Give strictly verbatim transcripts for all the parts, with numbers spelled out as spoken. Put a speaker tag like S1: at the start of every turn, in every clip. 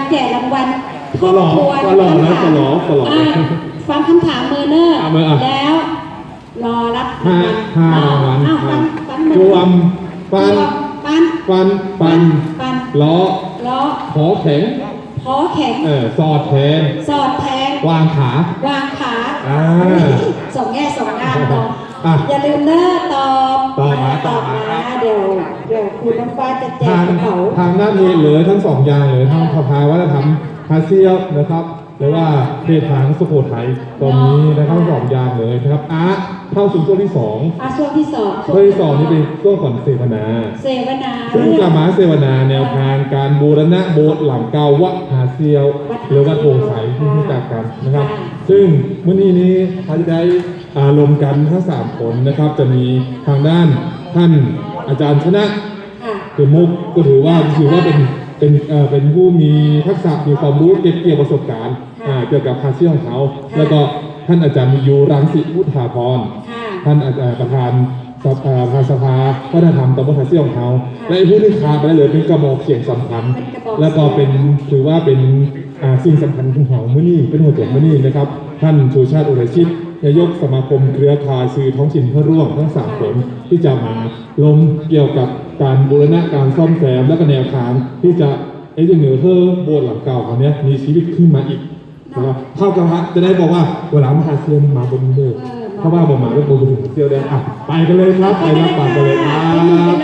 S1: แจกรางวัล
S2: ก็หล่อก็หล่อนะก็หล่อก็หล่อ
S1: ฟังคำถามเมอร์เนอร์แล้วรอรับ
S2: ห้าห้ารางวัลจวมฟัน
S1: ปัน
S2: ฟันปันล้อ
S1: ล้อ
S2: ขอแข็ง
S1: ขอแข็ง
S2: เออสอดแทง
S1: สอดแทง
S2: วางขาว
S1: างขา
S2: อ่า
S1: สองแง่สองงามเนาะอย่าลืมเนอตอบ
S2: ตอบมา
S1: ตอบมาเดี๋ยวเดี๋ยวคุณน้ำฟ้าจะแจกกระเป๋า
S2: ทางด้านนี้เหลือทั้งสองอย่างเลยทั้งสภาวะธรรมพาเซียลนะครับหรือว่าเพศทางสุโขทัยตรงนี้นะครับสองอย่างเลยนะครับอ่ะเข้าสู่ช่วงที่สอง
S1: อ่ะช่วงที่สอง
S2: ช่วงที่สองนี่เป็นช่วงก่อนเสวนา
S1: เสวนา
S2: ซึ่งจะมาเสวนาแนวทางการบูรณะโบสถ์หลังเก่าวัดหาเซียวหรือวัดโพไสที่รู้จักกันนะครับซึ่งมื้อนี้นี้เขาจะได้อารมณ์กันทั้งสามคนนะครับจะมีทางด้านท่านอาจารย์ชนะคือมุกก็ถือว่าถือว่าเป็นเป็นเอ่อเป็นผู้มีทักษะมีความรู้เก็บเกี่ยวประสบการณ์เกี่ยวกับภาษีของเขาแล้วก็ท่านอาจารย์มียูรังสิพุทธาพรท่านอาจารย์ประธานสภาพาสภาวัฒนธรรมตำบลภาษีของเขาและผู้ที่ขาดไปเลยเป็นกระบอกเสียงสำคัญแล้วก็เป็นถือว่าเป็นสิ่งสำคัญของเขาเมื่อนี้เป็นหัวใจเมื่อนี้นะครับท่านชูชาติอุไรชิตนายกสมาคมเครือข่ายสื่อท้องถิ่นเพื่อร่วมทั้งสามคนที่จะมาลงเกี่ยวกับการบูรณะการซ่อมแซมและก็แนวทางที่จะไอ้เรื่องเหนือเพื่อโบสถ์หลังเก่าของนี้มีชีวิตขึ้นมาอีกนะครับเท่ากับว่าจะได้บอกว่าเวลามหาเซียนมาบนเรือถ้าว่าบอกมาเรื่องบนถึงเซียวได้อ่ะไปกันเลยครับไปรับปากกันเลยครับส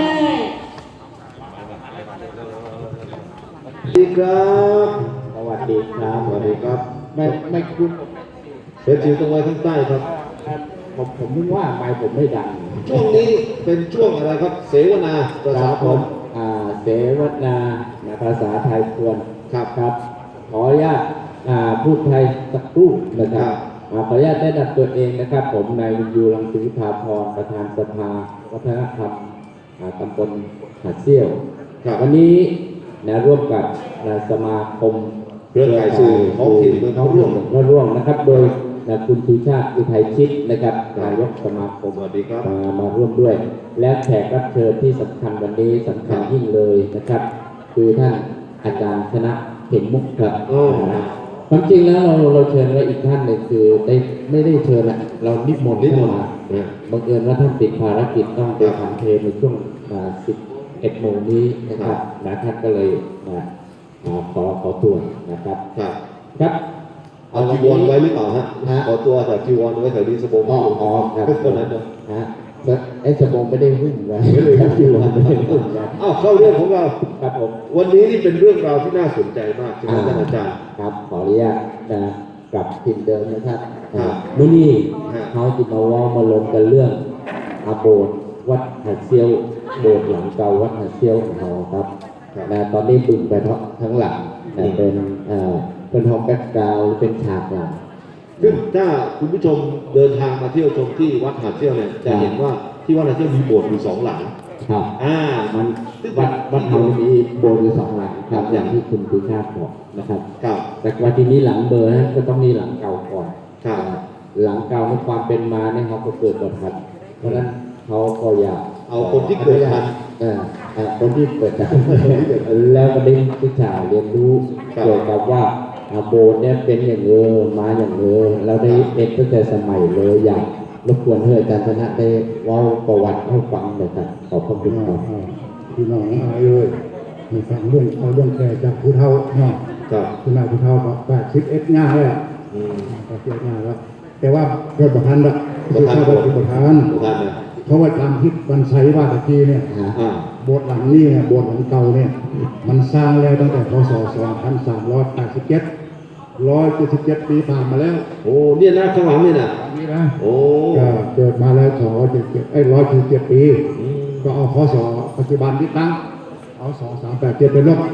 S3: วัสดีครับสวัสดีครับสวัสดีครับไม่ไม่คุ้นเป็นจิ๋วตรงไว้ข้างใต้ครับผมผมนึกว่าไมค์ผมไม่ดังช่วงนี้เป็นช่วงอะไรครับเสวนาภาษาผมอ่าเสวนาภาษาไทยควรครับครับขออนุญาตพูดไทยสักครู่นะครับขออนุญาตแนะนำตัวเองนะครับผมนายวิญญูรังสิภาพรประธานสภาวัฒนธรรมตำบลหาดเซี่ยววันนี้นะร่วมกับสมาคมเครือข่ายสื่อท้องถิ่นเมืองเขาร่วมมาร่วมนะครับโดยคุณชูชาติอุทัยชิตนะครับนายกสมาคมมามาร่วมด้วยและแขกรับเชิญที่สำคัญวันนี้สำคัญยิ่งเลยนะครับคือท่านอาจารย์ชนะเข็มมุกครับความจริงแล้วเราเราเชิญไว้อีกท่านหนึ่งคือได้ไม่ได้เชิญนะเรานิมนต์เข้ามาบังเอิญว่าท่านติดภารกิจต้องไปทำเพลงในช่วงสิบเอ็ดโมงนี้นะครับนะท่านก็เลยมาขอขอตัวนะครับครับเอาจีวรไว้หรือเปล่าฮะขอตัวแต่จีวรไว้แถวนี้สบงอ๋ออ๋อครับคนนั้นนะไอ้สบงไม่ได้หุ้นไว้ไม่ได้จีวรไม่ได้หุ้นไว้อ้าวเข้าเรื่องของเราครับผมวันนี้นี่เป็นเรื่องราวที่น่าสนใจมากใช่ไหมท่านอาจารย์ครับขออนุญาตนะกลับถิ่นเดิมนะครับเมื่อนี้เขาจะมาว่ามาลงกันเรื่องอาโบสถ์วัดหาดเซียวโบสถ์หลังเก่าวัดหาดเซียวของเราครับนะตอนนี้บึงไปทั้งหลังเป็นเป็นห้องแบ็กกราวด์เป็นฉากหลังซึ่งถ้าคุณผู้ชมเดินทางมาเที่ยวชมที่วัดหาดเซี่ยวเนี่ยจะเห็นว่าที่วัดหาดเซี่ยวมีโบสถ์อยู่สองหลังครับอ่ามันวัดวัดเรามีโบสถ์อยู่สองหลังครับอย่างที่คุณสุชาติบอกนะครับครับแต่ว่าทีนี้หลังเบอร์นั้นก็ต้องมีหลังเก่าก่อนครับหลังเก่าในความเป็นมาเนี่ยเขาก็เกิดประทัดเพราะฉะนั้นเขาก็อยากเอาคนที่เกิดทันคนที่เกิดทันแล้วก็ได้ศึกษาเรียนรู้เกี่ยวกับว่าโบสถ์เนี่ยเป็นอย่างเออมาอย่างเออเราได้เอ็กตั้งแต่สมัยเลยอยากรบกวนเพื่ออาจารย์ชนะได้เล่าประวัติให้ฟังหน่อยครับขอบพระคุณครับ
S4: พี่น้องเอาเลยมีฟังเรื่องเอาเรื่องแก่จากผู้เฒ่าเนาะคุณนายผู้เฒ่าบอกแปดสิบเอ็ดง่ายเลยแปดสิบเอ็ดง่ายแล้วแต่ว่าเกิดประธานละประธานประธานเพราะว่าตามที่วันไซว่าตะกี้เนี่ยโบสถ์หลังนี้เนี่ยโบสถ์หลังเก่าเนี่ยมันสร้างแล้วตั้งแต่พศสองพันสามร้อยแปดสิบเจ็ดร้อยเจ็ดสิบเจ็ดปีผ่านมาแล้ว
S3: โอ้เนี่ยนะข้างหลังนี่นะ
S4: นี่นะโอ้เกิดมาแล้วสองร้อยเจ็ดสิบเจ็ดไอ้ร้อยเจ็ดสิบเจ็ดปีก็เอาพศปัจจุบันที่ตั้งเอาสองสามแปดเจ็ดเป็นลบ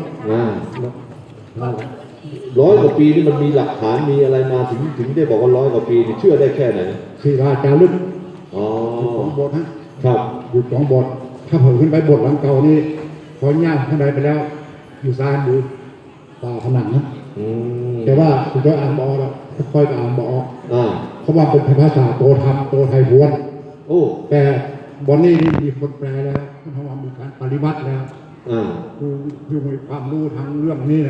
S3: ร้อยกว่าปีนี่มันมีหลักฐานมีอะไรมาถึงถึงได้บอกว่าร้อยกว่าปีนี่เชื่อได้แค่ไหน
S4: ศิลาจารึกอ๋อของโบสถ์นะครับอยู่สองโบสถ์ถ้าเผยขึ้นไปโบสถ์หลังเก่านี่พอย่าข้างในไปแล้วอยู่ซ้ายดูตาผนังนะแต่ว่าคุณก็อ่านบอแล้วค่อยๆอ่านบอเขาว่าเป็นภาษาโตธรรมโตไทยพวนโอ้แต่บอนนี่นี่มีคนแปลแล้วเพราะว่ามีการปฏิบัติแล้วคือคือมีความรู้ทางเรื่องนี้เนี่ย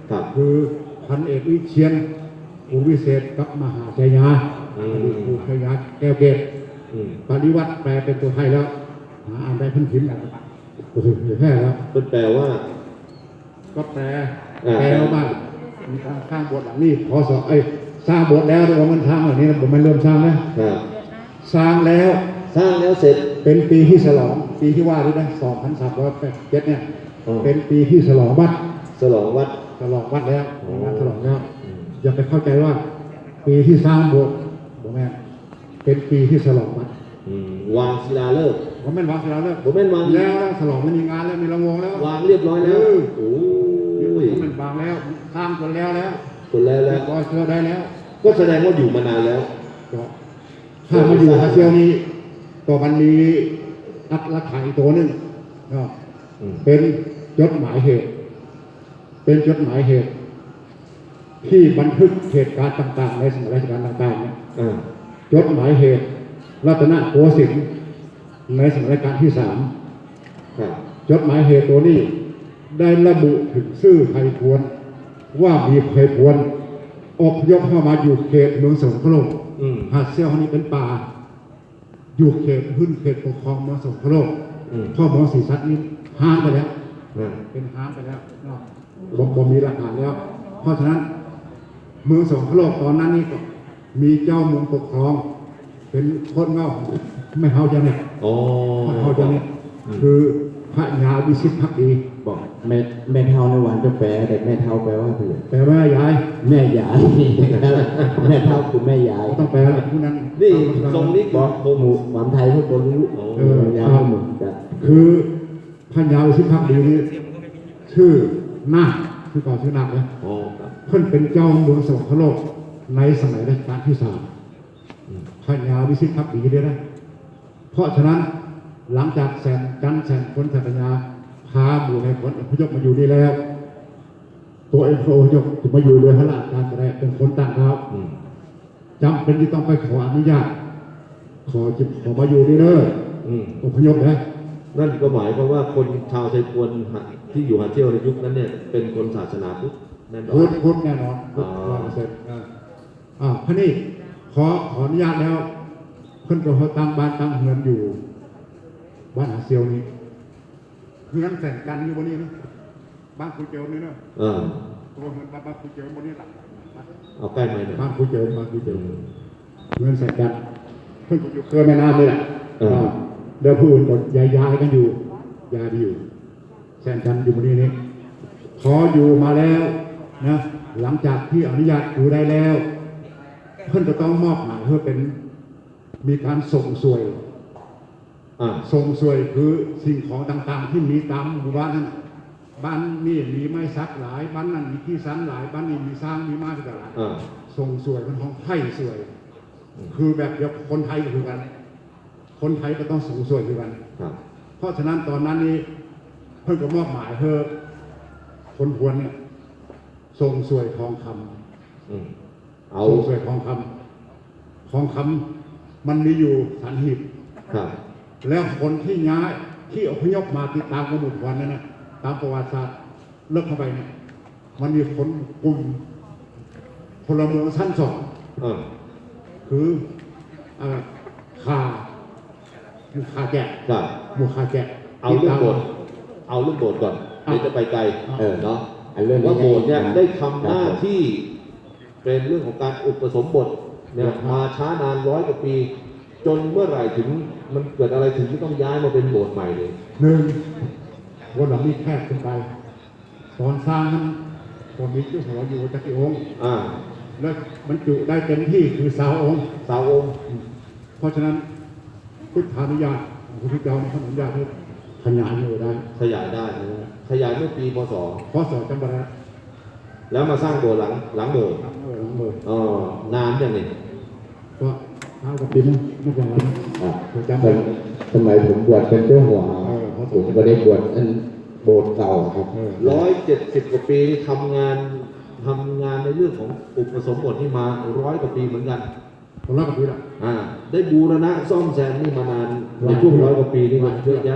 S3: ครับ
S4: คือพันเอกวิเชียนอุวิเศษกับมหาชัยยา
S3: อืม
S4: อดีตครูชัยยาแก้วเกต
S3: อืม
S4: ปฏิวัติแปลเป็นตัวไทยแล้วหาอ่านได้เพิ่งพิมพ์แล้วโอ้โหแค่แล้ว
S3: เป็นแปลว่า
S4: ก็แปล
S3: อ่า
S4: แปลว่ามีการสร้างโบสถ์หลังนี้พอสอบเอ้ยสร้างโบสถ์แล้วแต่ว่ามันทางเหล่านี้นะผมมันเริ่มสร้างแล้ว
S3: ครับ
S4: สร้างแล้ว
S3: สร้างแล้วเสร็จ
S4: เป็นปีที่ฉลองปีที่ว่าด้วยนะสองพันสามร้อยแปดเจ็ดเนี่ย
S3: อ๋อ
S4: เป็นปีที่ฉลองวัด
S3: ฉลองวัด
S4: ฉลองวัดแล้ว
S3: อ๋อ
S4: งานฉลองแล้ว
S3: อืม
S4: อย่าไปเข้าใจว่า ปีที่สร้างโบสถ์ผมแม่นเป็นปีที่ฉลองวัด
S3: อืมวางศิลาฤกษ์
S4: ผมแม่นวางเสร็จแล้ว
S3: ผมแม่นวาง
S4: แล้วแล้วฉลองไม่มีงานแล้วมีรางวงแล้ว
S3: วางเรียบร้อยแล้ว
S4: เออ
S3: โอ้
S4: ผม
S3: ย
S4: แม่นวางแล้วสร้างจนแล้วแล้ว
S3: คนแล้ว
S4: แล้
S3: แล้ว ว
S4: ก็เชื่อได้แล้ว
S3: ก็แสดงว่าอยู่มานานแล้ว
S4: ก็ถ้ามาอยู่ฮาเซียวนี้ก็มันมีอัตลักษณ์อีกตัวหนึงเนาะ
S3: อืม
S4: เป็นจดหมายเหตุ เป็นจดหมายเหตุ ที่บันทึกเหตุการณ์ต่างๆ ในสมัยราชการต่างๆเนี่ย
S3: อ่า
S4: จดหมายเหตุ รัตนโกสินทร์ในสมัยรัชกาลที่สาม
S3: ครับ
S4: จดหมายเหตุตัวนี้ ได้ระบุถึงชื่อไพพวนว่ามีไพพวนอพยพเข้ามาอยู่เขตเมืองสงขลา
S3: อืม
S4: หาดเซี่ยวนี้เป็นป่า อยู่เขตพื้นเขตปกครองเมืองสงขลา
S3: อืม
S4: พ่อเมืองศรีสัตนี้ห้ามไปแล้ว
S3: อ่า
S4: เป็นห้ามไปแล้วเนาะบ่บ่มีหลักฐานแล้ว เพราะฉะนั้นเมืองสงขลาตอนนั้นนี่ก็มีเจ้าเมืองปกครอง เป็นคนเงาไม่เฮาจะเนี่ย
S3: อ๋อ
S4: ไม่เฮาจะเนี่ย
S3: อืม
S4: คือพระยาวิชิตภักดี
S3: บอก
S5: แม่แม่เท่าในวันจะแปลแต่แม่เท่าแปลว่าคือ
S4: แปลว่ายาย
S5: แม่ยาย แม่เท่าคือแม่ยาย
S4: ต้องแปลอะไรผู้นั้น
S3: นี่ทรงนี้
S5: บอกหมู่ความไทยพวกคนรู้
S3: โอ้
S4: เออ
S5: ยาวพวกมึงจะ
S4: คือพระยาวิชิตภักดีนี่ชื่อนาคคือก่อนชื่อนาคนะ
S3: อ๋อครับ
S4: เพิ่นเป็นเจ้าเมืองสงขลาในสมัยรัชกาลที่สาม
S3: อืม
S4: พระยาวิชิตภักดีเลยนะ เพราะฉะนั้นหลังจากแสนจันทร์แสนพ้นสัตยาพาหมู่ในผลอพยพมาอยู่นี่แล้ว ตัวเองโอพยพจะมาอยู่เรือพระราชการแสดงเป็นคนต่างดาว
S3: อืม
S4: จำเป็นที่ต้องไปขออนุญาต ขอจิบขอมาอยู่นี่เด้อ
S3: อืม
S4: อพยพนะ
S3: นั่นก็หมายความว่าคนชาวไทยพวนที่อยู่หาดเที่ยวในยุคนั้นเนี่ยเป็นคนศาสนาพุทธแน่นอ
S4: พุ
S3: น
S4: ทธพุทธแน่นอนพุทธ
S3: อ๋อ
S4: ร้อยเปอร์เซ็นต์อ่าอ่าพระนี่ขอขออนุญาตแล้ว เพิ่นก็เขาตั้งบ้านตั้งเฮือนอยู่ บ้านหาเซียวนี้เฮือนแสนกันอยู่บนนี้นะบ้านคุยเจียวนี่เนาะ
S3: อ่า
S4: ตัวเฮือนบ้านบ้านคุยเจียวบนนี้หลัง
S3: เอาใกล้ไหมเนี่ย
S4: บ้านคุยเจียวบ้านคุยเจียวเฮือนแสนกันเพิ่นก็อยู่เครือแม่น้ำนี่แหละ
S3: อ่า
S4: อ่าเดี๋ยวผู้อื่นก็ย้ายย้ายกันอยู่ย้ายไปอยู่แสนกันอยู่บนนี้นี่ขออยู่มาแล้วนะหลังจากที่อนุญาตอยู่ได้แล้ว เพิ่นจะต้องมอบหมายเพื่อเป็นมีการส่งสวย
S3: อ่า
S4: ส่งสวยคือสิ่งของต่างๆ ที่มีตามหมู่บ้านนั้นบ้านนี่มีไม้ซักหลายบ้านนั้นมีที่สันหลายบ้านนี้มีสร้างมีม้าที่หลาย
S3: อ่า
S4: ส่งสวยเป็นของไทยสวย คือแบบเดียวคนไทยก็คือกัน คนไทยก็ต้องส่งสวยคือกัน
S3: ครับ
S4: เพราะฉะนั้นตอนนั้นนี่เพิ่นก็มอบหมายเพื่อคนพวนเนี่ยส่งสวยทองคำ
S3: อืมเอา
S4: ส่งสวยทองคำทองคำมันมีอยู่สันหีบ
S3: ครับ
S4: แล้วคนที่ย้ายที่อพยพมาติดตามกระหมุดวันนั้นนะตามประวัติศาสตร์เลิกเข้าไปเนี่ยมันมีคนกลุ่มพลเมืองชั้นสอง
S3: อ่า
S4: คือเอ่อขาหมู่ขาแกะ
S3: ครับ
S4: หมู่ขาแกะ
S3: เอาเรื่องโบสถ์เอาเรื่องโบสถ์ก่อนเดี๋ยวจะไปไกล
S5: เออ
S3: เนาะ
S5: อันเรื่องนี้
S3: ว่าโบสถ์เนี่ย
S5: นะ
S3: ได้ทำหน้าที่เป็นเรื่องของการอุปสมบทเนี่ยมาช้านานร้อยกว่าปี จนเมื่อไหร่ถึงมันเกิดอะไรถึงที่ต้องย้ายมาเป็นโบสถ์ใหม่เลย
S4: หนึ่งวันหลังนี้แคบขึ้นไป ตอนสร้างนั้นตอนมีเจ้าหัวอยู่จักรีองค์
S3: อ่า
S4: แล้วบรรจุได้เต็มที่คือสาวองค์
S3: สาวองค์
S4: เพราะฉะนั้นพุทธานุญาตของพระพุทธเจ้าในขนอนุญาตให้ขยายอยู่ได้
S3: ขยายได้นะขยายเมื่อปีพศ
S4: เพราะสอนจำบาระ
S3: แล้วมาสร้างโบสถ์หลังหลังโบสถ์
S4: เออหลังเบอร์
S3: อ๋อนานอย่างนี้
S4: ก็เท้ากับปีนั้นไม่เป็นไรนะ
S5: อ่ะ
S4: ผมจำได้
S5: สมัยผมบวชเป็นเจ้าหัว
S4: เออเพราะ
S5: ผมก็ได้บวชอันโบสถ์เก่าครับ
S4: เออ
S3: ร้อยเจ็ดสิบกว่าปีนี่ทำงานทำงานในเรื่องของอุปสมบทนี่มาร้อยกว่าปีเหมือนกัน
S4: ผมรับกับปีละ
S3: อ่า ได้บูรณะซ่อมแซมนี่มานานในช่วงร้อยกว่าปีนี่มันเยอะแยะ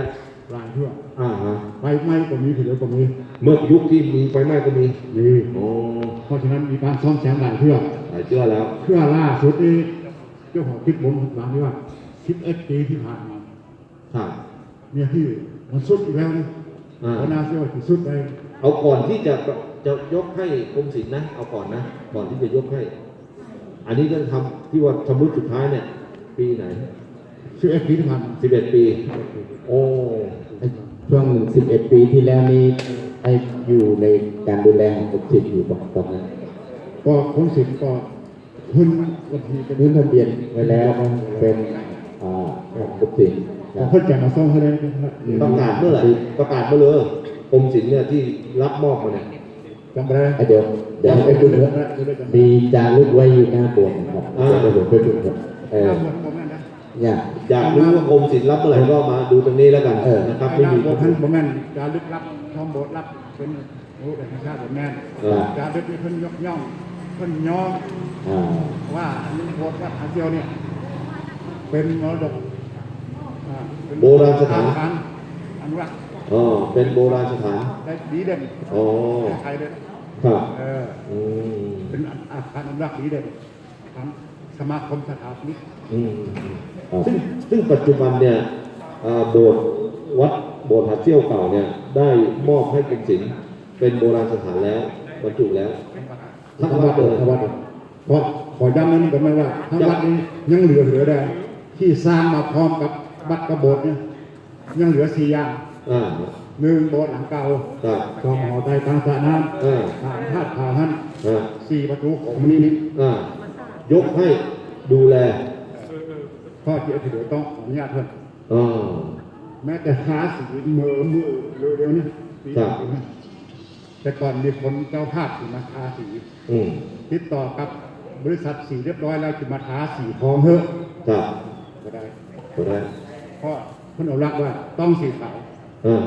S4: รายเพื่อ
S3: อ่าฮะ
S4: ไฟไหม้ก็มีเหลือก็มี
S3: เมื่อยุคที่มีไฟไหม้ก็มี
S4: มี
S3: โอ้
S4: เพราะฉะนั้นมีการซ่อมแซมหลายเพื่อ
S3: หลายเชื่อแล้ว
S4: เพื่อล่าสุดนี้เจ้าของคิดบนหลังนี้ว่าสิบเอ็ดปีที่ผ่านมา
S3: ครับ
S4: เนี่ยที่มันสุดอีกแล้วนะ
S3: อ่า
S4: เพราะน่าเชื่อว่าที่สุดได้
S3: เอาก่อนที่จะจะยกให้กรมศิลป์นะ เอาก่อนนะ ก่อนที่จะยกให้ อันนี้ก็ทำที่ว่าชำรุดสุดท้ายเนี่ย ปีไหน
S4: สิบเอ็ดปีที่ผ่านมา
S3: สิบเอ็ดปี โอ้
S5: ช่วงสิบเอ็ดปีที่แล้วนี้ไอ้อยู่ในการดูแลของกรมศิลป์อยู่ตอนนั้น
S4: ก็คนสิทธิ์ก็พื้นวันทีเป็น
S5: ยื่นทะเบียนไว้แล้วเป็นอ่าของกรมศิลป์
S4: ขอเพิ่นแจกมาซ่อมให้ได้นะครับ
S3: ประกาศเมื่อไหร่ประกาศเมื่อเลยกรมศิลป์เนี่ยที่รับมอบมาเนี่ย
S4: จำไม่ได้
S5: ไอ้เดี๋ยวเดี๋ยวไปดูนะมีจารึกไว้อยู่หน้าโบสถ์นะครับ
S3: อ่า
S5: เดี๋ยวผมไปดูครับเออ
S4: หน้าบนผมนั่นนะ
S5: เนี่ย
S3: อยากรู้ว่ากรมศิลป์รับเมื่อไหร่ก็มาดูตรงนี้แล้วกัน
S5: เออ
S3: นะครับ
S4: ห
S3: ไม่
S4: น้า
S3: มี
S4: บนท่านผมแม่นการลึกลับทอมโบสถ์รับเป็นโอ้แต่ชาติผมแม่น
S3: เออ
S4: การลึกนี่เพิ่นยกย่องเพิ่นย่อง
S5: อ่า
S4: ว่าอันนี้โบสถ์วัดอาเซียวเนี่ยเป็นมรดกอ่าเป็น
S3: โบราณสถาน
S4: การอนุรักษ์
S3: อ๋อเป็นโบราณสถาน
S4: ได้ดีเด่น
S3: อ๋อ
S4: ใครเลย
S3: ครับ
S4: เออ
S3: อืม
S4: เป็นอาคารอนุรักษ์ดีเด่นทั้งสมาคมสถาปนิก
S3: อืมซึ่งซึ่งปัจจุบันเนี่ยอ่าโบสถ์วัดโบสถ์หัดเซี่ยวเก่าเนี่ยได้มอบให้กรมศิลป์เป็นโบราณสถานแล้วบรรจุแล้วทั้ง
S4: ทั้ง
S3: วั
S4: วั
S3: ด
S4: ด
S3: เลย
S4: ทั้งวัดเพราะขอย้ำนั้นก็ไม่ว่าทั้งวัดนี้ยังเหลือเหลือได้ที่สร้างมาพร้อมกับวัดกระโบสถ์เนี่ยยังเหลือสี่อย่าง
S3: อ่า
S4: หนึ่งโบสถ์หลังเก่า
S3: ครับ
S4: สองหอไตรทางสระน้
S3: อ่า
S4: ำสามธาตุผาหัน
S3: อ่า
S4: สี่ประตูของมณีนิ
S3: อ่ายกให้ดูแล
S4: พ่อเจ้าที่เหลือต้องขออนุญาตเพิ่น
S3: อ่า
S4: แม้แต่ทาสีเมือมือเร็วๆเนี่ยสี
S3: ครับ
S4: สีเนี่ยแต่ก่อนมีคนเจ้าภาพที่มาทาสี
S3: อืม
S4: ติดต่อกับบริษัทสีเรียบร้อยแล้วจะมาทาสีทองเถอะ
S3: ครับ
S4: ก็ได้
S3: ก็ได้
S4: เพราะเพิ่นเอารักว่าต้องสีขาว
S3: อ่า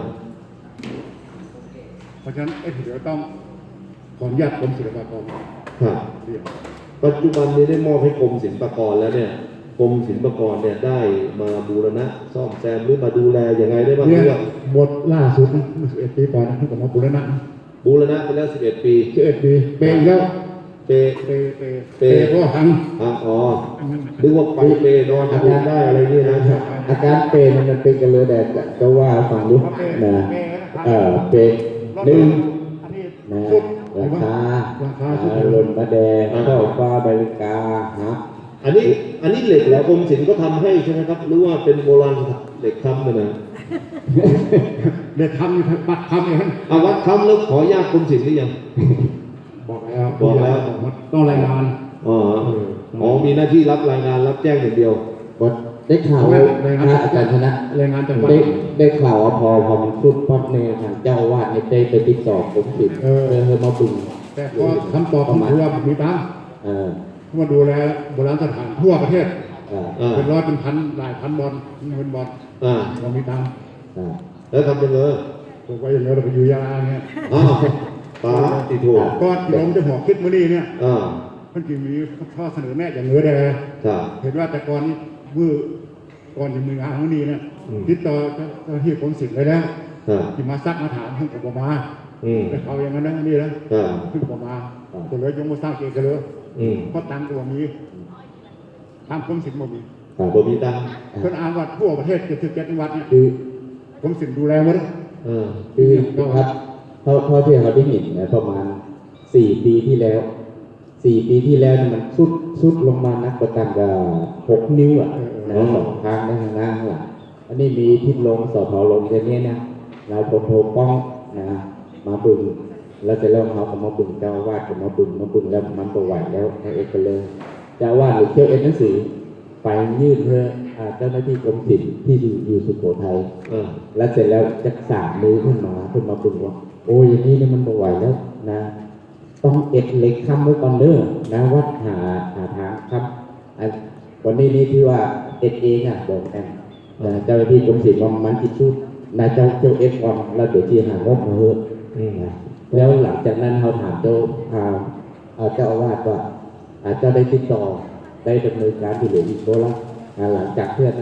S4: เพราะฉะนั้นไอ้ที่เหลือต้องขออนุญาตกรมศิลปากร
S3: ครับ
S4: เรียน
S3: ปัจจุบันนี้ได้มอบให้กรมศิลปากรแล้วเนี่ยกรมศิลปากรเนี่ยได้มาบูรณะซ่อมแซมหรือมาดูแลยังไงได้บ้าง
S4: เนี่ย
S3: เรื่อง
S4: บทล่าสุดนะเมื่อสิบเอ็ดปีก่อนนะที่ผมมาบุรณะ
S3: บูรณะไปแล้วสิบเอ็ดปี
S4: สิบเอ็ดปีเปย์อีกแล้ว
S3: เป
S4: เปย์เปย์
S3: เป
S4: เปย์เพราะว่าหัง
S3: อ่ะอ๋อนึกว่าไปเปนอนทำงานได้อะไรนี่นะ
S5: อาการเป็นมันเป็นกันเลยแต่ก็ว่าฟังดูนะเออเป็นหนึ่ง
S4: อันนี้
S5: นะ
S4: สุด
S5: ราคา
S4: ราคาสุด
S5: หล่นมาแดงเข้าฟ้าบริกาฮะ
S3: อันนี้อันนี้เหล็กแล้วกรมศิลป์ก็ทำให้ใช่ไหมครับหรือว่าเป็นโบราณเหล็กค้ำเลยนะ
S4: เด็กทำอยู่ปัดทำเอง
S3: อาวัดค้ำแล้วขออนุญาตกรมศิลป์หรือยัง
S4: บอกแล้ว
S3: บอกแล้ว
S4: ต้องรายงาน
S3: อ๋ออ๋อมีหน้าที่รับรายงานรับแจ้งอย่างเดียว
S5: บทได้ข่าวนะอาจารย์ชนะ
S4: รายงานจังหวัด
S5: ได้ได้ข่าวว่าพอพอมันสุดปั๊บในทางเจ้าอาวาดในได้ไปติดต่อกรมศิลป์
S4: เออ
S5: เพื่อมาบึง
S4: แต่พอคำตอบผมคือว่าผมมีตังค์
S5: เออ
S4: มาดูแลโบราณสถานทั่วประเทศ
S5: เออ
S3: อ่า
S4: เป็นร้อยเป็นพันหลายพันบอลเงินบอล
S3: อ่า
S4: เรามีตังค์
S5: เออ
S3: แล้วทำยังไง
S4: ผมก็อย่างเงี้ยเราไปอยู่ยาลาเงี้ย
S3: อ้าวป้าติโถ
S4: ก็ที่ผมจะหัวคิดมื่อนี้เนี่ย
S3: อ่า
S4: เพิ่นจะมีข้อเสนอแนะอย่างเงือแด
S3: ครับ
S4: เห็นว่าแต่ก่อนนี้มือก่อนจะมืองานมื่อนี้เนี่ย
S3: อืม
S4: ติดต่อเจ้าหน้าที่กรมศิลป์ไปแล้ว
S3: ครับ
S4: ที่มาซักมาถามเพิ่งกับมา
S3: อืม
S4: แต่เขาอย่างนั้นนะนี่นะครับ เพิ่งกับมาตัวเลยยงมาสร้างเองกันเลย
S3: อืม
S4: เพราะตังค์ตัวมีตามกรมศิลป์บ่มี
S3: บ่มีตังค์
S4: เพิ่นอ้างว่าทั่วประเทศเจ็ดสิบเจ็ดจังหวัดเนี่ย
S5: คือ
S4: กรมศิลป์ดูแลหมด
S3: เออ
S5: คือครับเท่าเท่าที่เราได้เห็นนะประมาณสี่ปีที่แล้วสี่ปีที่แล้วเนี่ยมันสุดสุดลงมานักประกันกับหกนิ้วอ่ะนะสองข้างด้านหน้าข้างหลังอันนี้มีทิศลงสอทอลงอย่างนี้นะนายพลโทป้องนะมาบึงแล้วจะเริ่มเขาก็มาบึงเจ้าอาวาดก็มาบึงมาบึงแล้วมันประวัติแล้วให้เอกเลยเจ้าอาวาดหรือเที่ยวเอ็นหนังสือไปยื่นเพื่ออ่าเจ้าหน้าที่กรมศิลป์ที่อยู่อยู่สุโขทัย
S3: เออ
S5: แล้วเสร็จแล้วจะสามมือขึ้นมาขึ้นมาบึงว่าโอ้ยอย่างนี้เนี่ยมันไม่ไหวแล้วนะ ต้องเอ็ดเหล็กค้ำไว้ก่อนเด้อนะวัดหาหาทางครับอันวันนี้นี่ที่ว่าเอ็ดเองอ่ะบอกกันนะเจ้าหน้าที่กรมศิลป์ว่ามันติดชุดนายเจ้าเจ้าเอ็ดก่อนแล้วเดี๋ยวที่หางบมาเถอะ
S3: อืม
S5: นะแล้วหลังจากนั้นเขาถามเจ้าทางเอ่อเจ้าอาวาสว่าอาจจะได้ติดต่อได้ดำเนินการที่เหลืออีกโบละอ่าหลังจากเพื่อนนั้นนะ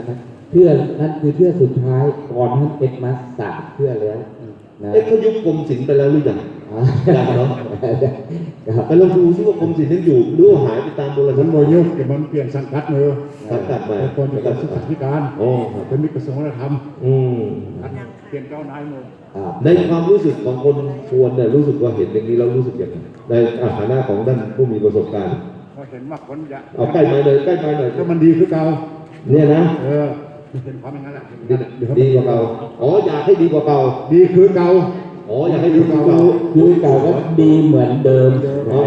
S5: เพื่อนั่นคือเพื่อสุดท้ายก่อนท่านเอ็ดมาสามเพื่อแล้วนะ
S3: เอ๊ะเขายุบกรมศิลป์ไปแล้วหรือยัง
S5: อ่า
S3: ยังเนาะ
S5: ครับ
S3: ไปลองดูซิว่ากรมศิลป์ยังอยู่หรือว่าหายไปตามโบราณ
S4: มันโมยุกแต่มันเปลี่ยนสังกัดเลย
S3: สังกัดใหม่
S4: เป็นคนจากศึกษาธิการ
S3: โอ้ครับ
S4: เป็นมิตรกระทรวงวัฒนธรรม
S3: อืม
S4: เปลี่ยนเจ้านายหมด
S5: ครับ
S3: ในความรู้สึกของคนชวนเนี่ยรู้สึกว่าเห็นอย่างนี้แล้วรู้สึกอย่างไรในฐานะของด้านผู้มีประสบการณ์
S4: พอเห็นว่าคนอยาก
S3: เอาใกล้ไม้เลยใกล้ไม้หน่อย
S4: ถ้ามันดีคือเก่า
S3: เนี่ยนะ
S4: เออมันเป็นความอย่างนั้นแหละ
S3: ดีดีกว่าเก่าอ๋ออยากให้ดีกว่าเก่า
S4: ดีคือเก่า
S3: อ๋ออยากให้ดีกว่าเก่า
S5: คือเก่าก็ดีเหมือนเดิม
S3: อ๋อ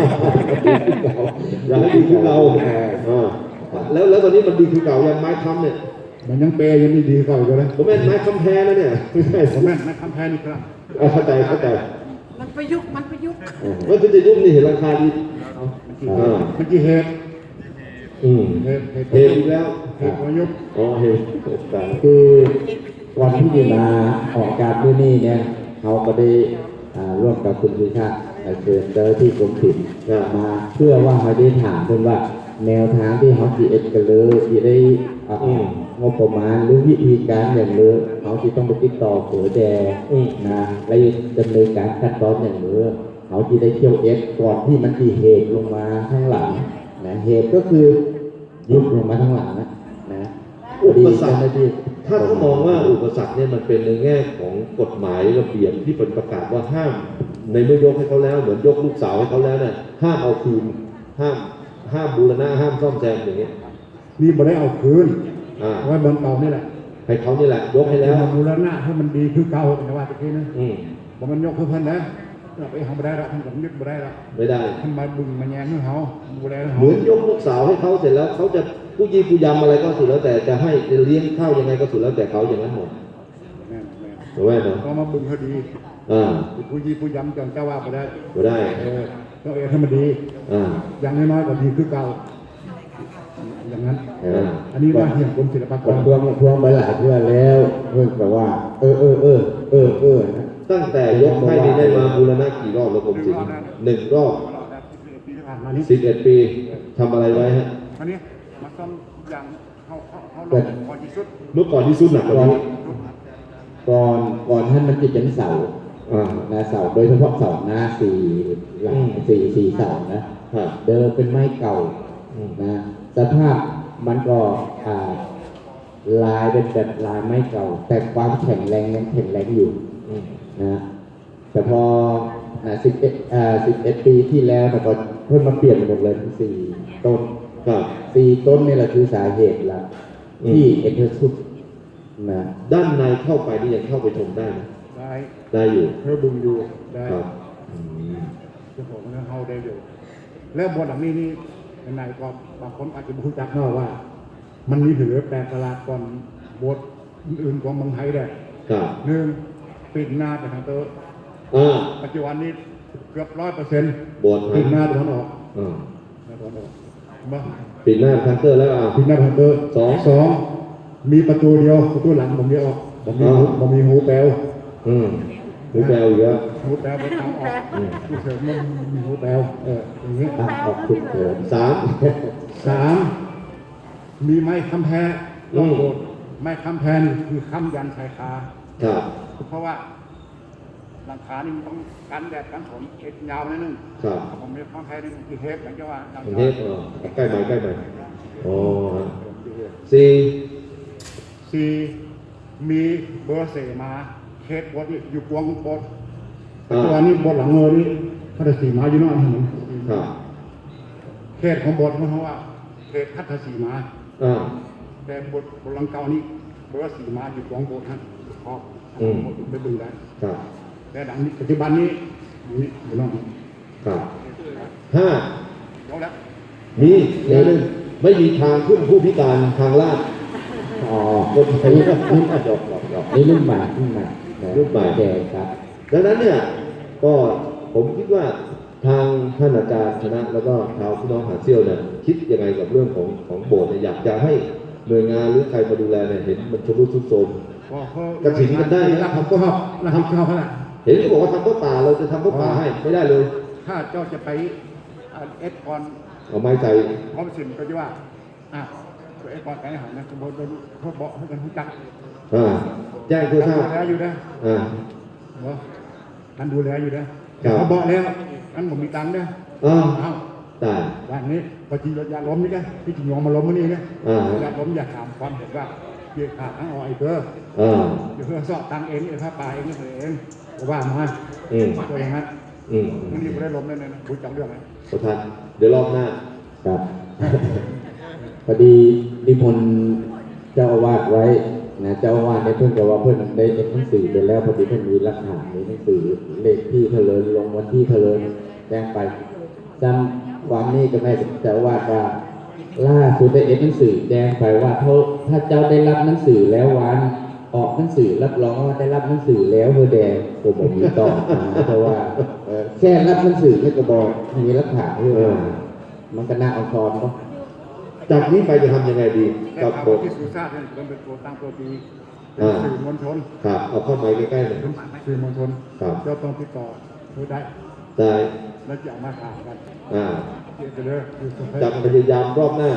S3: อยากให้ดีคือเก่าอ่าแล้วแล้วตอนนี้มันดีคือเก่ายังไม้ค้ำเนี่ย
S4: มันยังเปย์ยังดีดีเก่าอยู่เลย
S3: ผมแม่นไม้ค้ำแพ้นะเนี่ยไม่ใช่
S4: ผมแม่นไม่คำแพ้นี่ครับ
S3: อ่าเข้าใจเข้าใจ
S6: มันประยุกต์มันประยุกต์
S3: ว่าคุณจะยุ่งนี่เห็นราคาดีอ่า
S4: มันกี่เหตุ
S3: อืม
S4: เหตุเหตุ
S3: เห็นอีกแล้ว
S4: เหตุประยุกต์
S3: อ๋อเห็นตาย
S5: คือวันที่ดีมาออกการด้วยนี่เนี่ยเขาก็ได้อ่าร่วมกับคุณพิชาติเชิญเจ้าหน้าที่กรมศิลป์มาเพื่อว่าเขาได้ถามเพื่อนว่าแนวทางที่เขาจีเอ็ดกันเลยที่ได้อ่างบประมาณหรือวิธีการอย่างเลยเขาที่ต้องไปติดต่อเผือแดนะและดำเนินการขั้นตอนอย่างเลยเขาที่ได้เที่ยวเอ็ดก่อนที่มันจีเหตุลงมาข้างหลังนะเหตุก็คือยุบลงมาข้างหลังนะนะ
S3: อุปสรรค
S5: เจ้าหน้าที่
S3: ถ้าเขามองว่าอุปสรรคเนี่ยมันเป็นในแง่ของกฎหมายระเบียบที่เป็นประกาศว่าห้ามในเมื่อยกให้เขาแล้วเหมือนยกลูกสาวให้เขาแล้วเนี่ยห้ามเอาคืนห้ามห้ามบูรณะห้ามซ่อมแซมอย่างเงี้ย
S4: นี่บ่ได้เอาคืน
S3: อ่า
S4: ไว้บนเก่านี่แหละ
S3: ให้เขานี่แหละยกให้แล้ว
S4: มาบูรณะให้มันดีคือเก่าแต่ว่าตะกี้นะ
S3: อืม
S4: บ่มันยกคือเพิ่นนะเราไปทำบ่ได้ละทำกับยึดบ่ได้ละ
S3: ไม่ได้
S4: ท่านมาบึงมาแยงให้เขาบ่ได้ให้
S3: เห
S4: เขา
S3: มือนยกลูกสาวให้เขาเสร็จแล้วเขาจะผู้ยีผู้ยำอะไรก็สุดแล้วแต่จะให้จะเลี้ยงข้าวยังไงก็สุดแล้วแต่เขาอย่างนั้นหมด
S4: แม่นแม่น
S3: ถูกไหมเนาะ
S4: ก็มาบึงเขาดี
S3: อ่า
S4: ผู้ยีผู้ยำจังเจ้าว่าบ่ได้
S3: ก็ได้
S4: เออต้องเอให้มันดี
S3: อ่า
S4: อย่างน้อยๆก็ดีคือเก่าอย่างนั้น
S3: อ่า
S4: อันนี้ว่าเหี่ยงกรมศิลปาก
S5: ผม
S4: ร
S5: ทวงทวงไปหลายเพื่อแล้วเพื่อนแบบว่า เออเออเออเออเออนะ
S3: ตั้งแต่ยกให้นี่ได้มาบูรณะกี่รอบแล้วผมสิหนึ่งรอบ
S4: ปีที่ผ่านมานี้
S3: สิบเอ็ดปีทำอะไรไว้ฮะ
S4: อันนี้มาซ่อมอย่างเขาเขาเขาลงพอที่สุด
S3: เมื่อก่อนที่สุดหนักกว่านี้
S5: ก่อนก่อนท่านมันจะเป็นเสา
S3: อ่า
S5: นะเสาโดยเฉพาะเสาหน้าสี่หลัง
S3: อืม
S5: สี่สี่เสานะ
S3: ฮะ
S5: เดิมเป็นไม้เก่า
S3: อืม
S5: นะสภาพมันก็อ่าลายเป็นแบบลายไม้เก่า แต่ความแข็งแรงยังแข็งแรงอยู่
S3: อืม
S5: นะแต่พอสิบเอ็ดอ่าสิบเอ็ดปีที่แล้วแต่ก็เพิ่มมาเปลี่ยนหมดเลยทั้งสี่ต้น
S3: ครับ
S5: สี่ต้นนี่แหละคือสาเหตุหลัก
S3: อืม
S5: ที่เอ็กซ์สุดนะ
S3: ด้านในเข้าไปนี่ยังเข้าไปชมได้ไหม
S4: ได้
S3: ได้อยู่
S4: เธอบึงอยู่ได้
S3: ครับอืม
S4: เจ้าของมันเขาได้อยู่ แล้วบนหลังนี้นี่ในก็บางคนอาจจะไม่รู้จักเนาะว่า มันมีถือแปลกประหลาดก่อนบทอื่นๆของเมืองไทยได้
S3: ครับ
S4: หนึ่งปิดหน้าไปทางเตอร์
S3: อ่า
S4: ปัจจุบันนี้เกือบร้อยเปอร์เซ็นต์
S3: โบสถ์
S4: ปิดห
S3: นะ
S4: น้าตะวันออก
S3: อ่า
S4: หน้าตะวันออกมา
S3: ปิดหน้าคันเตอร์แล้วอ่ะ
S4: ปิดหน้าทางเตอร์
S3: สอง
S4: สองมีประตูเดียวประตูหลังผมเดียวออกผมมีหู
S3: อ่า
S4: ผมมีหูแปลว
S3: อืมหูแปลวอีกแล้ว
S4: หูแปลวไปทางออก
S3: อืม
S4: ผู้เสริมมันมีหูแปลวเอออย่างนี้
S5: อ่ะขอบคุณเถิด
S3: สาม
S4: สามมีไม้คำแพร
S3: อื
S4: ต้อง
S3: ม
S4: โบสถ์ไม้คำแพรนี่คือคำยันชายคา
S3: ครับ
S4: เพราะว่าหลังคานี่มันต้องกันแดดกันฝนเช็ดยาวนิดนึง
S3: ครับ
S4: ผมมีคำแพรนี่คือเทปอย่างเจ้าว่าหลัง
S3: ประ
S4: คา
S3: เทศอ่าใกล้ไหมใกล้ไหมอ๋อฮะ
S4: ผมจะเรียก
S3: สี่
S4: สี่มีเบอร์เสมาเขตบดนี่อยู่กวงบด
S3: อ่า
S4: ตัวนี้บดหลังเงยนี่พัทสีมาอยู่เนอกเห็น
S3: ครับ
S4: เขตของบดเพราะว่าเขตพัทสีมา
S3: อ่า
S4: แต่บทบทหลังเก่านี่เบอร์สีมาอยู่กองโบสถ์ฮะครอบ
S3: อืม
S4: ไปบึงได้
S3: ครับ
S4: แต่ดังนี้ปัจจุบันนี้อยู่นี่อยู่นอกนี่
S3: ครับห้า
S4: ยกแล้ว
S3: มีแนวหนึ่งไม่มีทางขึ้นผู้พิการทางลาด
S5: อ๋อ
S3: คนไทยก็ขึ้นอ่ะดอกดอกดอก
S5: นี่รุ่นใหม่รุ่นใหม่นะ
S3: รุ่นใหม่
S5: แก่ครับ
S3: ดังนั้นเนี่ยก็ผมคิดว่าทางท่านอาจารย์ชนะแล้วก็ชาวพี่น้องหาดเซี่ยวเนี่ยคิดยังไงกับเรื่องของของโบสถ์เนี่ยอยากจะให้หน่วยงานหรือใครมาดูแลเนี่ยเห็นมันชำรุดทรุดโทรม
S4: ก็เขา
S3: กระถิ่นกันได้นะ
S4: รับผิดชอบรับผิดชอบเท่าไหร่
S3: เห็นเขาบอกว่าทำข้าวป่าเราจะทำข้าวป่าให้ไม่ได้เลย
S4: ถ้าเจ้าจะไปอ่าเอสคอน
S3: เอาไม้ใส่
S4: พร้อมสินก็จะว่าอ่ะไอ้ปอดไก่หันนะบนบนเขาเบาะให้กันรู้จัก
S3: อ่าแจ้งเพื่อทราบ
S4: ดูแลอยู่นะ
S3: อ่า
S4: เนาะท่านดูแลอยู่นะครับ เขาเบาะแล้วอันผมมีตังค์นะ
S3: อ่า
S4: เอา
S3: ได้
S4: บ้านนี้พอจีรถยาล้มนี่กันพี่จียอมมาล้มมื่อนี้นะ
S3: อ่า
S4: ยาล้มอยากถามความเห็นว่าเกี่ยวขาดทั้งอ้อยเพื่อ
S3: อ่า
S4: เดี๋ยวเพื่อสอบตังเองเองผ้าป่าเองเองก็ว่ามา
S3: อืม
S4: ตัวอย่างนั้น
S3: อืม
S4: มื่อนี้ไม่ได้ล้มเลยนะคุยจังเรื่องไหม
S3: ประธานเดี๋ยวรอบหน้า
S5: ครับ พอดีนิมนต์เจ้าอาวาสไว้นะเจ้าอาวาสเนี่ยเพิ่งจะว่าเพิ่นได้เอ็นหนังสือไปแล้วพอดีเพิ่นมีหลักฐานมีหนังสือเลขที่เถลิงลงวันที่เถลิงแจ้งไปจำความนี้ก็ไม่เจ้าอาวาสว่าล่าสุดได้เอ็นหนังสือแจ้งไปว่าถ้าถ้าเจ้าได้รับหนังสือแล้ววันออกหนังสือรับรองว่าได้รับหนังสือแล้วเพื่อแดงผมบอกมีต่อนะเพราะว่าเอ่อแค่รับหนังสือไม่กระบอกมีหลักฐานเพื่อมามันก็น่าเอาคอนเนาะ
S3: จากนี้ไปจะทำยังไงดี
S4: แต่
S3: กับ
S4: ทาง
S3: บท
S4: ที่สุชาติเนี่ยมันเป็นตัวตั้งตัวตีเป็น
S3: อ่า
S4: สื่อมวลชน
S3: ครับเอาเข้าไม้ใกล้ๆหน่อย
S4: เป็นสื่อมวลชน
S3: ครับ
S4: เจ้าต้องติดต่อเพื่อได้
S3: ได้
S4: แล้วจะเอามาถามกัน
S3: อ่า
S4: เดี๋ยวจะเลิกคือสุดท้าย
S3: จะพยายามรอบหน้า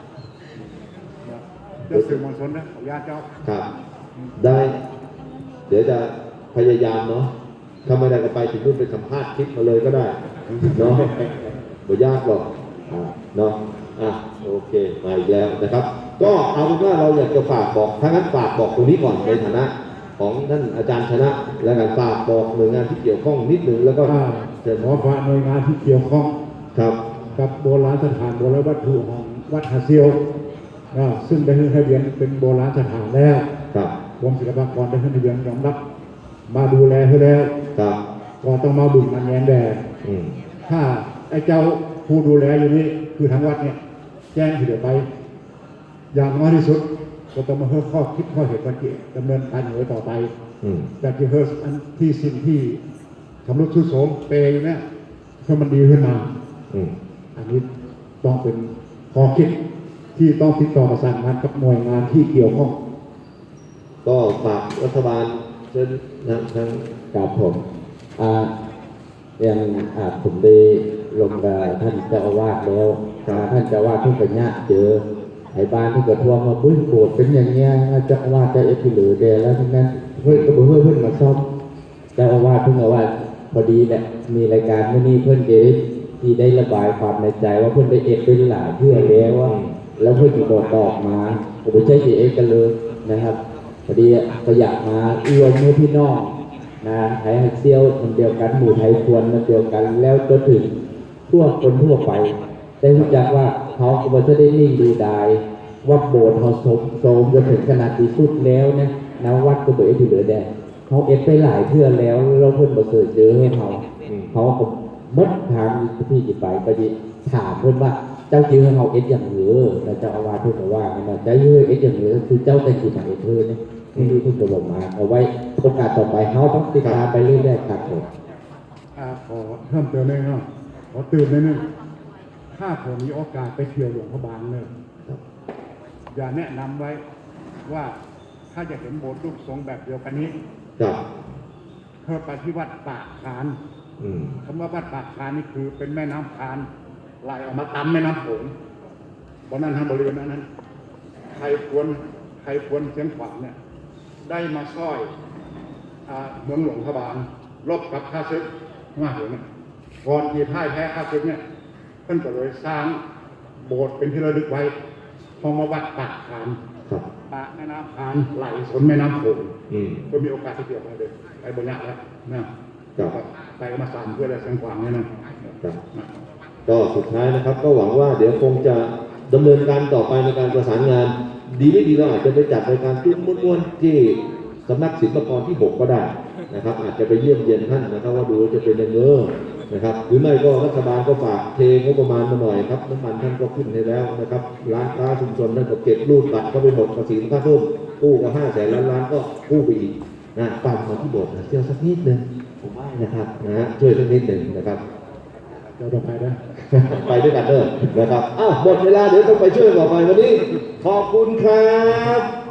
S4: เจ้าสื่อมวลชนนะขออนุญาตเจ้า
S3: ครับ ได้ เดี๋ยวจะพยายามเนาะถ้าไม่ได้ก็ไปถึงนู่นไปสัมภาษณ์คลิปมาเลยก็ได้เนาะไม่ยากหรอกอ่าเนาะอ่ะโอเคมาอีกแล้วนะครับ ก็เอาเป็นว่าเราอยากจะฝากบอกถ้างั้นฝากบอกตรงนี้ก่อนในฐานะ ของท่านอาจารย์ชนะ และการฝากบอกหน่วยงานที่เกี่ยวข้องนิดหนึ่งแล้วก็
S4: อ่า
S3: เชิญ
S4: ขอฝากหน่วยงานที่เกี่ยวข้อง
S3: ครับ
S4: กับโบราณสถานโบราณวัตถุของวัดหาเซียวนะซึ่งได้ขึ้นทะเบียนเป็นโบราณสถานแล้ว
S3: ครับ
S4: กรมศิลปากรได้ขึ้นทะเบียนยอมรับ มาดูแลให้แล้ว
S3: ครับ
S4: ก็ต้องมาบุญมาแย้มแดด
S3: อืม
S4: ถ้าไอ้เจ้าผู้ดูแลอยู่นี่คือทางวัดเนี่ยแจ้งที่เดี๋ยวไป อย่างน้อยที่สุดก็ต้องมาเพิ่มข้อคิดข้อเหตุวันที่ดำเนินการอยู่ต่อไป
S3: อืม
S4: แต่ที่เฮิร์สอันที่สิ่งที่ทำรุดทุโสมเปย์อยู่เนี่ยให้มันดีขึ้นมา
S3: อืม
S4: อันนี้ต้องเป็นข้อคิดที่ต้องติดต่อประสานงานกับหน่วยงานที่เกี่ยวข้อง
S3: ก็ฝากรัฐบาลเชิญทางทาง
S5: ครับผมอ่าอย่างอ่าผมได้ลงกับท่านเจ้าอาวาสแล้วอ่าท่านเจ้าอาวาสเพิ่งไปเนี่ยเจอไอ้บ้านที่กระทวงมาปุ้ยโบสถ์เป็นอย่างเงี้ยเจ้าอาวาสเจ้าเอฟพีหรือเดแล้วทั้งนั้นเพื่อนก็บอกเพื่อนเพื่อนมาซ่อมเจ้าอาวาสเพิ่งเอาว่าพอดีแหละมีรายการเมื่อนี้เพื่อนเจได้ที่ได้ระบายความในใจว่าเพื่อนได้เอฟเป็นหลายเพื่อแล้วว่าแล้วเพื่อนก็บอกบอกมาผมไม่ใช่เอฟกันเลยนะครับพอดีก็อยากมาเอื้อมมือพี่น้องนะไทยเซียวมันเดียวกันหมู่ไทยควรมันเดียวกันแล้วจนถึงทั่วคนทั่วไปได้รู้จักว่าเขาก็จะได้นิ่งดูดายว่าโบสถ์เขาสมโสมจนถึงขนาดที่สุดแล้วเนี่ยนะวัดก็เบิดที่เหลือแดงเขาเอฟไปหลายเทื่อแล้วเราเพิ่นมาเสิร์ชเจอให้เขาเขาก็มดทางที่จะไปก็จะถามเพิ่นว่าเจ้าจื้อให้เขาเอฟอย่างเหลือแล้วเจ้าอาวาสเพิ่นก็ว่ากันว่าเจ้าจื้อเอฟอย่างเหลือคือเจ้าแต่กี่มาเอฟเพิ่นเนี่ยนี่เพิ่นก็บอกมาเอาไว้โอกาสต่อไปเขาต้องติดตามไปเรื่อยๆครับผม
S4: อ่าขอเพิ่มเติมเลยเนาะขอตื่นเลยนึงถ้าผมมีโอกาสไปเที่ยวหลวงพระบางเนี่ยอย่าแนะนำไว้ว่าถ้าจะเห็นโบสถ์รูปทรงแบบเดียวกันนี้
S3: ครับ
S4: เพื่อไปที่วัดปากคาน
S3: อืม
S4: คำว่าวัดปากคานนี่คือเป็นแม่น้ำคานไหลออกมาตามแม่น้ำโขงเพราะนั้นทางบริเวณนั้นใครควรใครควรเชียงขวางเนี่ยได้มาซ้อยอ่าเมืองหลวงพระบางรบกับข้าศึกมาเหงก่อนที่พ่ายแพ้ข้าศึกเนี่ยเพิ่นก็เลยสร้างโบสถ์เป็นที่ระลึกไว้พอมาวัดปากคาน
S3: ครับ
S4: ปากแม่น้ำคานไหลสนแม่น้ำโขง
S3: อืม
S4: ก็มีโอกาสที่เกี่ยวไปเลยไปบนยากแล้วนะครับ ไปก็มาสามเพื่ออะไรเชียงขวางเนี่ยนะครับ
S3: ก็สุดท้ายนะครับ ก็หวังว่าเดี๋ยวคงจะดำเนินการต่อไปในการประสานงาน ดีไม่ดีเราอาจจะไปจัดรายการตุ้มม้วนๆที่สำนักศิลปากรที่หกก็ได้นะครับ อาจจะไปเยี่ยมเยียนท่านนะครับ ว่าดูจะเป็นยังไงนะครับ หรือไม่ก็รัฐบาลก็ฝากเทงบประมาณมาหน่อยครับน้ำมันท่านก็ขึ้นให้แล้วนะครับร้านค้าชุมชนท่านก็เก็บรูดบัตรเข้าไปหมดภาษีค่าเพิ่มกู้ก็ห้าแสนล้านล้านก็กู้ไปอีกนะตามมาที่โบสถ์นะเที่ยวสักนิดนึงผมว่านะครับนะฮะช่วยสักนิดหนึ่งนะครับ
S4: เดี๋ยวต่อไปนะ
S3: ไปด้วยกันเด้อนะครับ อ้าวหมดเวลาเดี๋ยวต้องไปช่วยต่อไปวันนี้ ขอบคุณครับ